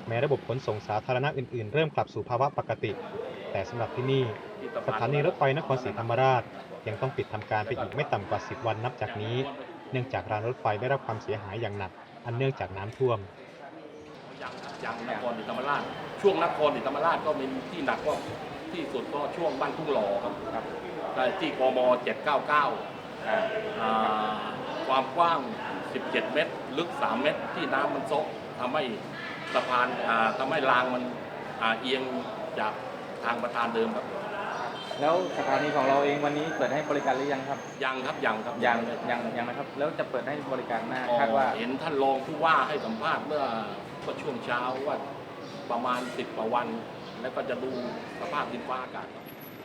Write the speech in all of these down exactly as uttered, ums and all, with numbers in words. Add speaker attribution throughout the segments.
Speaker 1: แม้ระบบขนส่งสาธารณะอื่นๆเริ่มกลับสู่ภาวะปกติแต่สำหรับที่นี่สถานีรถไฟนครศรีธรรมราชยังต้องปิดทำการไปอีกไม่ต่ำกว่าสิบวันนับจากนี้เนื่องจากรางรถไฟได้รับความเสียหายอย่างหนักอันเนื่องจากน้ำท่วม
Speaker 2: ยังยังนครศรีธรรมราชช่วงนครศรีธรรมราชก็มีที่หนักก็ที่สุดก็ช่วงบ้านทุ่งหล่อครับครับที่กมเจ็ดเก้าเก้าความกว้างสิบเจ็ดเมตรลึกสามเมตรที่น้ำมันซกทำให้สะพานทำให้รางมันเอียงจากทางประธานเดิมครับ
Speaker 3: แล้วสถานีของเราเองวันนี้เปิดให้บริการหรือยังครับ
Speaker 2: ยังครับยังครับ
Speaker 3: ยังยังยังนะครับแล้วจะเปิดให้บริการหน้าคาดว่า
Speaker 2: เห็นท่านรองผู้ว่าให้สัมภาษณ์เมื่อช่วงเช้าว่าประมาณสิบกว่าวันแล้วก็จะดูสภาพดินฟ้าอากาศ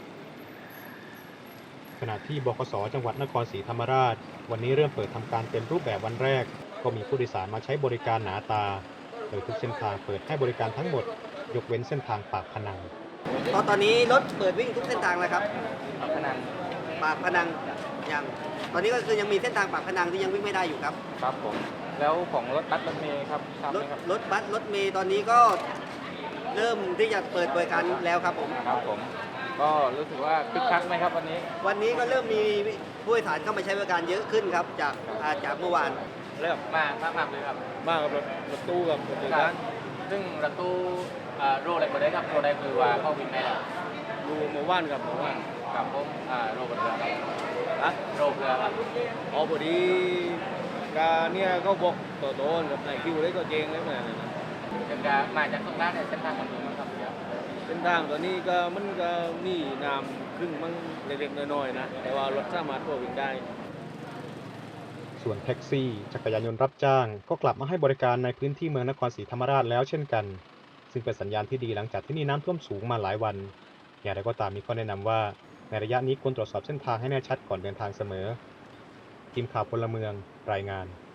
Speaker 1: ขณะที่บขสจังหวัดนครศรีธรรมราชวันนี้เริ่มเปิดทำการเต็มรูปแบบวันแรกก็มีผู้โดยสารมาใช้บริการหนาตาโดยทุกเส้นทางเปิดให้บริการทั้งหมดยกเว้นเส้นทางปากพนัง
Speaker 4: ตอนตอนนี้รถเปิดวิ่งทุกเส้นทางแล้วครับ
Speaker 3: ปากพนัง
Speaker 4: ปากพนังยังตอนนี้ก็คือยังมีเส้นทางปากพนังที่ยังวิ่งไม่ได้อยู่ครับ
Speaker 3: ครับผมแล้วของรถบัสรถเมล์ครับ
Speaker 4: รถรถบัสรถเมล์ตอนนี้ก็เริ่มที่จะเปิดบริการแล้วครับผม
Speaker 3: ครับผมก็รู้สึกว่าคึกคักไหมครับวันนี้
Speaker 4: วันนี้ก็เริ่มมีผู้โดยสารเข้ามาใช้บริการเยอะขึ้นครับจากจากเมื่อวาน
Speaker 3: เริ่มมากมากมากเลยครับ
Speaker 5: มากกับรถรถตู้กับรถโดยสาร
Speaker 3: ซึ่งรถตู้โรอะไรก็ได้ครับโรได้คือว่าเข้าวิ่งได้แล้ว
Speaker 5: ดูเมื่อวานกับเมื่อวาน
Speaker 3: กับผมโรบนเรือครับ
Speaker 5: อะ
Speaker 3: โรเรือครับ
Speaker 5: อ๋อพอดีการเนี่ยเขาบอกต่อโดนกับนายคิวเลยก็เจงเลยนะ
Speaker 3: เป็นการมาจากตรงนั้นในเส้นทางของเมืองครับ
Speaker 5: เส้นทางตัวนี้ก็มันก็มีน้ำขึ้นมันเล็กๆน้อยๆนะแต่ว่ารถสามารถทั่ววิ่งได้
Speaker 1: ส่วนแท็กซี่จักรยานยนต์รับจ้างก็กลับมาให้บริการในพื้นที่เมืองนครศรีธรรมราชแล้วเช่นกันซึ่งเป็นสัญญาณที่ดีหลังจากที่มีน้ำท่วมสูงมาหลายวันอย่างไรก็ตามมีข้อแนะนำว่าในระยะนี้ควรตรวจสอบเส้นทางให้แน่ชัดก่อนเดินทางเสมอทีมข่าวพลเมืองรายงาน